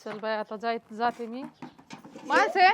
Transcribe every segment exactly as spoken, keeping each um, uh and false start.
चल बाय आता जाय जाते मी माणसे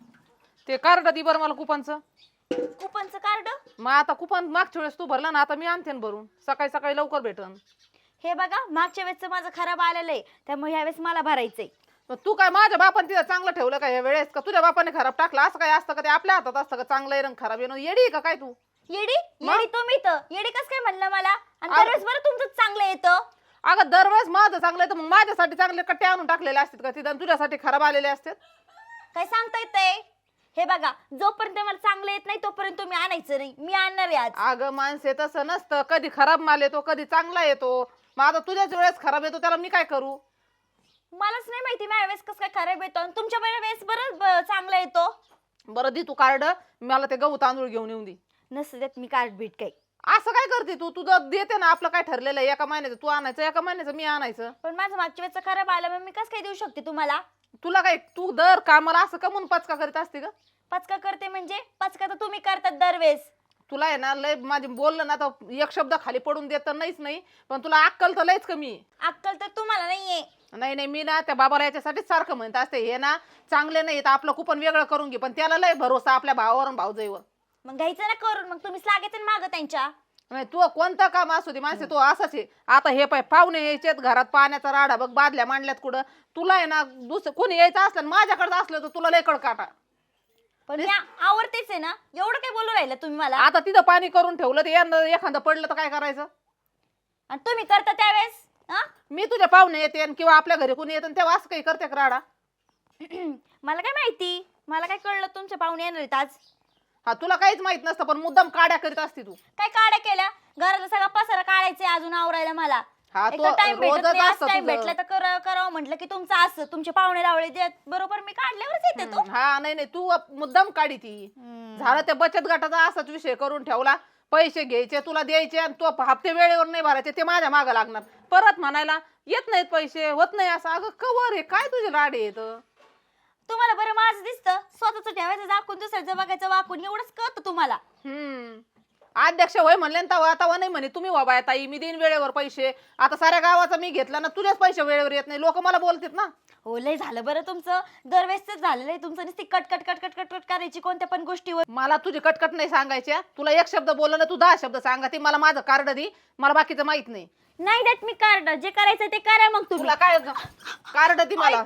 ते कार्ड दे बरं मला कुपनचं. कुपनचं कार्ड? मग आता कुपन मागच्या वेळेस तू भरला ना, आता मी आणते ना भरून. सकाळी सकाळी लवकर भेटन. हे बघा मागच्या वेळेसचं माझं खराब आलेलं आहे, त्यामुळे ह्यावेळेस मला भरायचंय. मग तू काय माझ्या बापाने तिथं चांगलं ठेवलं का या वेळेस, का तुझ्या बापाने खराब टाकलं? असं काय असतं का? ते आपल्या हातात असतं का चांगलं आहे रंग खराब येणं? येडी आहे का काय तू? येडी येडी तुम्ही तर येडी कस काय म्हणलं मला? आणि अरे. दरवेळेस बरं तुमचं चांगलं येतं. अगं दरवेळेस माझं चांगलं आहे तर मग माझ्यासाठी चांगले कट्टे आणून टाकलेले असतात का तिथं, तुझ्यासाठी खराब आलेले असतात? काय सांगता येतंय? हे बघा जोपर्यंत मला चांगलं येत नाही तोपर्यंत तुम्ही आणायचं नाही, मी आणणार आहे आज. अगं माणसे तसं नसतं, कधी खराब माल येतो कधी चांगला येतो. मग आता तुझ्याच वेळेस खराब येतो त्याला मी काय करू? मलाच नाही माहिती माझ्या वेळेस कसं काय खराब येतो आणि तुमच्या वेळेस बरं ब- चांगला येतो. बरं दे तू कार्ड, मला ते गहू तांदूळ घेऊन येऊन दे. नसतं त्यात मी कार्ड बीट काही. असं काय करते तू? तुझं देते ना, आपलं काय ठरलेलं आहे एका महिन्याचं तू आणायचं एका महिन्याचं मी आणायचं. पण माझं मागच्या वेळेस खराब आलं मग मी कसं काय देऊ शकते तुम्हाला? तुला काय तू दर कामाला असं कमून पचका करीत असते का? पचका करते म्हणजे पचका तर तुम्ही करतात दरवेळेस. तुला आहे ना लय माझे बोललं ना तर एक शब्द खाली पडून देत तर नाहीच नाही, पण तुला अक्कल तर लयच कमी आहे. अक्कल तर तुम्हाला नाहीये. नाही नाही मी ना त्या बाबाला याच्यासाठीच सारखं म्हणत असते, हे ना चांगले नाही तर आपलं कुपन वेगळं करून घे, पण त्याला लय भरोसा आपल्या भावावर आणि भाऊजाईवर. मग घ्यायचं ना करून, मग तुम्हीच लागायचं ना मागं त्यांच्या. नाही तू कोणतं काम असू दे माणसे तू असाच आहे. आता हे पाय पाहुणे यायचेत घरात, पाण्याचा राडा बघ, बादल्या मांडल्यात कुठं. तुला आहे ना दुसरं कोणी यायचं असलं आणि माझ्याकडे असलं तर तुला लय काटा. पण मी आवडतेच आहे ना, एवढं काय बोलू राहिलं तुम्ही मला? आता तिथं पाणी करून ठेवलं तर यंदा एखादं पडलं तर काय करायचं? आणि तुम्ही करता त्यावेळेस हा? मी तुझ्या पाहुणे येते आणि किंवा आपल्या घरी कोणी येतं तेव्हा असं काही करते का राडा? मला काय माहिती, मला काय कळलं तुमच्या पाहुणे येणार आहेत आज. हा तुला काहीच माहित नसतं पण मुद्दाम काड्या करीत असते तू. काय काड्या केल्या? घराला सगळा पसारा काढायचंय अजून आवरायला मला. हा एक तो टाइम भेटत रोजच नाही, असतं टाइम तुझं. भेटला तर करावं करावं म्हटलं की तुमचं असं तुमचे पाहुणे रावळे देत बरोबर मी काढल्यावरच येते तो. हा नाही नाही तू मुद्दाम काढी ती. झालं त्या बचत गटाचा असाच विषय करून ठेवला. पैसे घ्यायचे तुला द्यायचे आणि तो हप्ते वेळेवर नाही भरायचे, ते माझ्या मागं लागणार. परत म्हणायला येत नाहीत पैसे, होत नाही असं. अगं कवर आहे काय तुझे राडे येत? तुम्हाला बरं माझं दिसतं, स्वतःच ठेवायचं दाखवून दुसऱ्याचं बघायचं वाकून, एवढंच कळतं तुम्हाला. हम्म अध्यक्ष होय म्हणले ना तवा तवा नाही म्हणे तुम्ही बाबा ताई मी देईन वेळेवर पैसे. आता साऱ्या गावाचा मी घेतला ना, तुझ्याच पैसे वेळेवर येत नाही, लोक मला बोलतात ना. हो लय झालं बरं तुमचं, दरवेळेसच झालेलं आहे तुमचं. नुसती cut cut cut cut cut cut करायची कोणत्या पण गोष्टीवर. मला तुझी कटकट नाही सांगायच्या. तुला एक शब्द बोललं ना तू दहा शब्द सांगते. मला माझं कार्ड दे, मला बाकीचं माहित नाही. नाही देत मी कार्ड, जे करायचं ते करा मग तुम्ही. तुला काय कार्ड दे मला.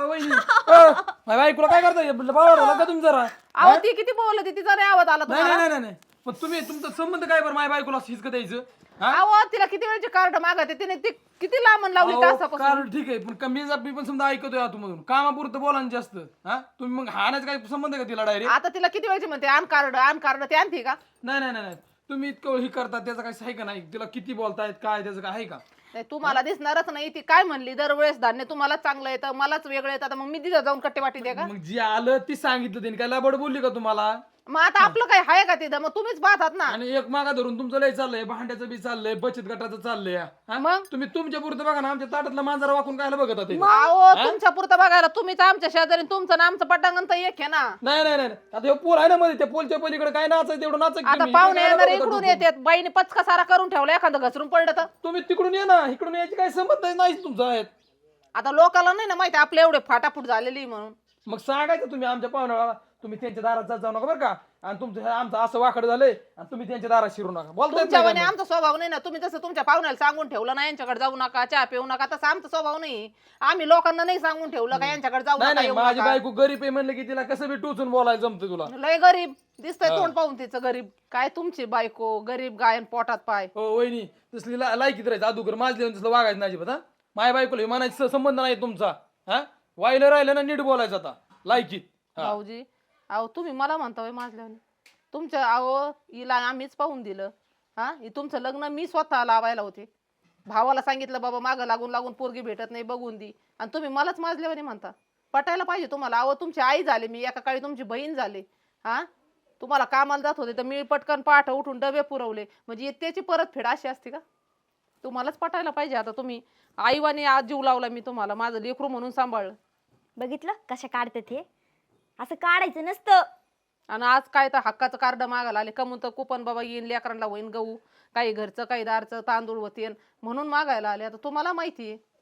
माझ्या बायकोला काय करता बाबा का तुम्ही जरा? अहो ती किती बोलत होती, तिचा नाही आवाज आला नाही तुम्हाला? नाही नाही नाही मग तुम्ही तुमचा संबंध काय बरं माझ्या बायकोला हिसक द्यायचं? हा? अहो तिला किती वेळची कार्ड मागते तिने, ती किती लांबून लावली अहो, तासापासून. कारण ठीक आहे पण कमी मी पण समजा ऐकतोय आतमधून कामापुरतं बोला ना जास्त. हा तुम्ही मग हाणायचं काय संबंध आहे का तिला डायरेक्ट? आता तिला किती वेळची म्हणते आण कार्ड आण कार्ड, ते आणते का? नाही नाही नाही नाही. तुम्ही इतकं हे करता त्याचं काय आहे का नाही? तिला किती बोलतायत काय त्याचं काय आहे का? नाही तुम्हाला दिसणारच नाही. ती काय म्हणली दरवेळेस धान्य तुम्हाला चांगलं येतं मलाच वेगळं येतं, मग मी तिथं जाऊन कट्टे वाटी दे का? मग जी आलं ती सांगितलं त्यांनी काय लाबड बोलली का तुम्हाला? मग आता आपलं काय आहे का तिथं? मग तुम्हीच पाहतात ना. आणि एक मागा धरून तुमचं लय चाललंय, भांड्याचं बी चाललंय, बचत गटाचं चाललंय. हा? मग? तुम्ही तुमच्या पुरतं बघा ना, आमच्या ताटातला मांजरा वाकून काय बघत होते? अहो तुमच्या पुरतं बघायला तुम्हीच आमच्या शेजारी, तुमचं ना आमचं पटांगण तर एक आहे ना. नाही नाही नाही आता हे पोल आहे ना मध्ये, त्या पोलच्या पलीकडे काय नाचायचं तेवढं नाचक. आता पाहुणे येणार इकडून येतात, बाईने पचका सारा करून ठेवला, एखादं घसरून पडलं तर. तुम्ही तिकडून ये ना, इकडून यायची काय संबंध नाही तुमचा आहेत. आता लोकांना नाही ना माहिती आपले एवढे फाटाफूट झालेली म्हणून. मग सांगायचं तुम्ही आमच्या पाहुण्याला, तुम्ही त्यांच्या दारात जात जाऊ नका बरं का. आणि तुमचं हे आमचं असं वाकड झालंय आणि तुम्ही त्यांच्या दारात शिरू नका. बोलताय तुमच्या म्हणे आमचा स्वभाव नाही ना. तुम्ही जसं तुमच्या पाहुण्याला सांगून ठेवलं ना यांच्याकडे जाऊ नका, चहा पिऊ नका, तसं आमचा स्वभाव नाही. आम्ही लोकांना नाही सांगून ठेवलं का यांच्याकडे जाऊ नाही नका नाही. येऊ माझी नका. बायको गरीब आहे म्हणलं की तिला कसं बी टोचून बोलायला जमतं तुला. लय गरीब दिसतंय तोंड पाहून तिचं गरीब. काय तुमची बायको गरीब गायन पोटात पाय. हो वहिनी तसली ला- लायकीत राहायचं अदुगर माझ तसलं वागायचं नाही अजिबात. हा माझ्या बायकोला म्हणायचं संबंध नाही तुमचा. हा वाहिलं राहिलं ना नीट बोलायचं आता लायकीत. हा. भाऊजी अहो तुम्ही मला म्हणता माझल्याने तुमच्या अहो हिला आम्हीच पाहून दिलं. हा हे तुमचं लग्न मी स्वतः लावायला होते. भावाला सांगितलं बाबा मागं लागून लागून पोरगी भेटत नाही बघून दी, आणि तुम्ही मलाच माझल्यावानी म्हणता. पटायला पाहिजे तुम्हाला. अहो तुमची आई झाली मी, एका काळी तुमची बहीण झाली. हा तुम्हाला कामाला जात होते तर मी पटकन पाठ उठून डबे पुरवले, म्हणजे त्याची परतफेड अशी असते का? तुम्हालाच पटायला पाहिजे. आता तुम्ही आईवानी आज जीव लावला मी तुम्हाला, माझं लेकरू म्हणून सांभाळलं. बघितलं कशा काढतात हे, असं काढायचं नसतं. आणि आज काय तर हक्काचं कार्ड मागायला आले, कमून तर कुपन बाबा येईन लेकरांना होईन गहू, काही घरचं काही दारचं तांदूळ होतीन म्हणून मागायला आले. आता तुम्हाला माहिती आहे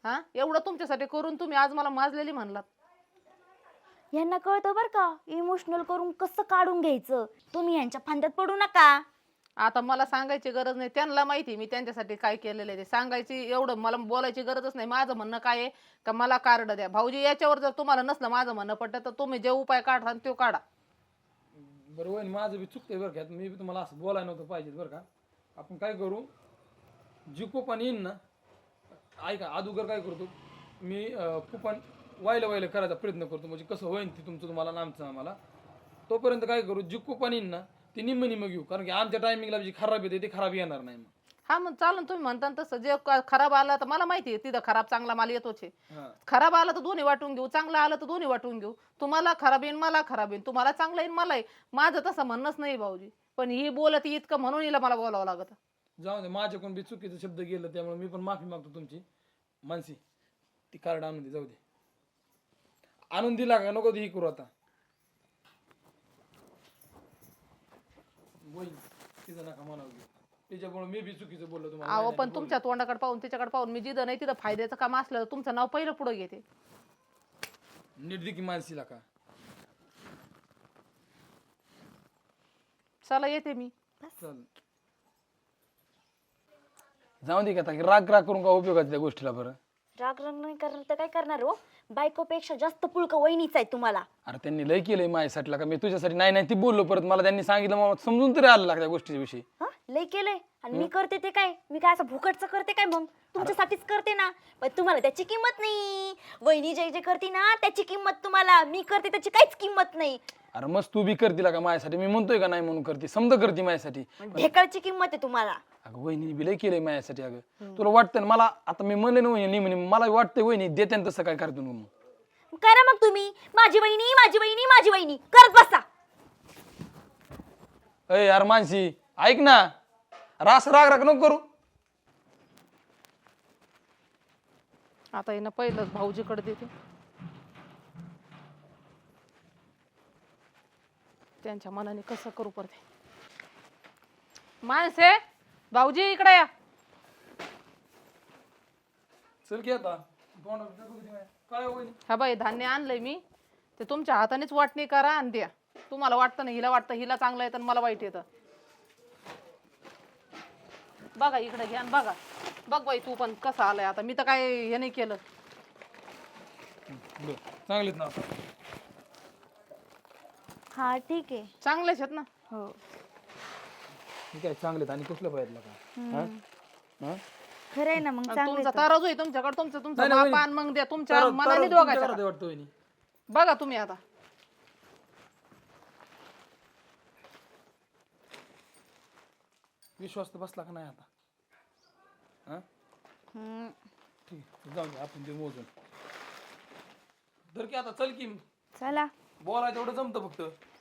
हा एवढं तुमच्यासाठी करून तुम्ही आज मला माजलेली म्हणलात. यांना कळतं बरं का इमोशनल करून कसं काढून घ्यायचं. तुम्ही यांच्या फांद्यात पडू नका. आता मला सांगायची गरज नाही, त्यांना माहिती मी त्यांच्यासाठी काय केलेलं आहे ते. सांगायची एवढं मला बोलायची गरजच नाही. माझं म्हणणं काय आहे का मला कार्ड द्या भाऊजी. याच्यावर जर तुम्हाला नसलं माझं म्हणणं पडतं तर तुम्ही जे उपाय काढता तो काढा. बरं वहिनी माझं बी चुकतंय बरं का, मी बी तुम्हाला असं बोलायला नव्हतं पाहिजे बरं का. आपण काय करू, जी कुपन येईन ना, ऐका अगोदर काय करतो मी, कुपन वायलं वायलं करायचा प्रयत्न करतो, म्हणजे कसं होईन ते तुमचं तुम्हाला आणि आमचं आम्हाला. तोपर्यंत काय करू, जी कुपन येईन ना ती निम्म निम्म घेऊ, कारण की आमच्या टायमिंगला जी खराब येते ते खराब येणार नाही मग. हा मग चालेल, तुम्ही म्हणता ना तसं. जे क- खराब आलं तर मला माहिती आहे तिथं खराब चांगला माल येतोच आहे. हां खराब आलं तर दोन्ही वाटून घेऊ, चांगलं आलं तर दोन्ही वाटून घेऊ. तुम्हाला खराब येईन मला खराब येईन, तुम्हाला चांगलं येईन मला येईन. माझं तसं म्हणणंच नाही भाऊजी, पण ही बोलत इतकं म्हणून हिला मला बोलावं लागत. जाऊ दे, माझ्याकडून बी चुकीचं शब्द गेलं त्यामुळे मी पण माफी मागतो तुमची. मानसी ती कार्ड आणून दे, जाऊ दे. आणून दिला का नको ही करू आता. वहिनी तिचं नका म्हणावं घेऊ. त्याच्यामुळे मी बी चुकीचं बोललो तुम्हाला. अहो नाही पण नाही तुमच्या तोंडाकडे पाहून त्याच्याकडे पाहून मी जिथं नाही तिथं फायद्याचं काम असलं तर तुमचं नाव पहिलं पुढे घेते. बोललो. नीट दे की मानसीला का. चला येते मी. चल जाऊ दे का आता, राग राग करून का उपयोगाच्या त्या गोष्टीला. बरं राग रंग नाही करणार तर काय करणार हो. बायकोपेक्षा जास्त पुळका वहिनीच आहे तुम्हाला. अरे त्यांनी लय केलंय माझ्यासाठी का, मी तुझ्यासाठी नाही नाही ती बोललो, परत मला त्यांनी सांगितलं मला समजून तरी आलं त्या गोष्टीच्या विषयी. हा लय केलंय आणि मी करते ते काय, मी काय असं भुकटचं करते काय, मग तुमच्यासाठीच करते ना. पण तुम्हाला त्याची किंमत नाही. वहिनी जे जे करते ना त्याची किंमत तुम्हाला, मी करते त्याची काहीच किंमत नाही. अरे मस्त तू बी करतील का माझ्यासाठी, मी म्हणतोय का नाही म्हणून करते, समजा करते माझ्यासाठी. ढेकळची किंमत आहे तुम्हाला. अगं वहिनी बी लय केलंय माझ्यासाठी. अगं तुला वाटतं ना मला, आता मी म्हणले ना वहिनी म्हणे, मला वाटतंय वहिनी देते ना तसं काय करतो मग. करा मग तुम्ही, माझी वहिनी माझी वहिनी माझी वहिनी करत बसा. अय यार मानसी ऐक ना, रास राग राग नको करू. आता येणं पहिलं भाऊजीकडे देते, त्यांच्या मनाने कसं करू पडते. माणसे भाऊजी इकडे या. चल की आता काय वहिनी. हा बाई धान्य आणलंय मी, ते तुमच्या हातानेच वाटणी करा आणि द्या. तुम्हाला वाटतं ना हिला वाटतं हिला चांगलं येतं आणि मला वाईट येतं. बघा इकडे घ्या आणि बघा. बघ बाई तू पण कसं आलंय आता. मी तर काय हे नाही केलं. बरं, चांगलेत ना. हा ठीक आहे. चांगलेच आहेत ना. हो मी काय चांगलेत आणि कुठलं पाहिजे का. हा? हा? खरं आहे ना. मग आणि चांगलं तुमचा तराजू आहे तुमच्याकडे, तुमचं तुमचं नाही, नाही, मापान मग द्या तुमच्या तर- मनाने तर- दोघायचं. तुमच्याकडे वाटतं वहिनी. बघा तुम्ही आता. विश्वास तर बसला का नाही आता. हा हम्म. ठीक आहे, जाऊ दे आपण ते मोजून. तर की आता चल की चला बोलायचं एवढं जमतं फक्त.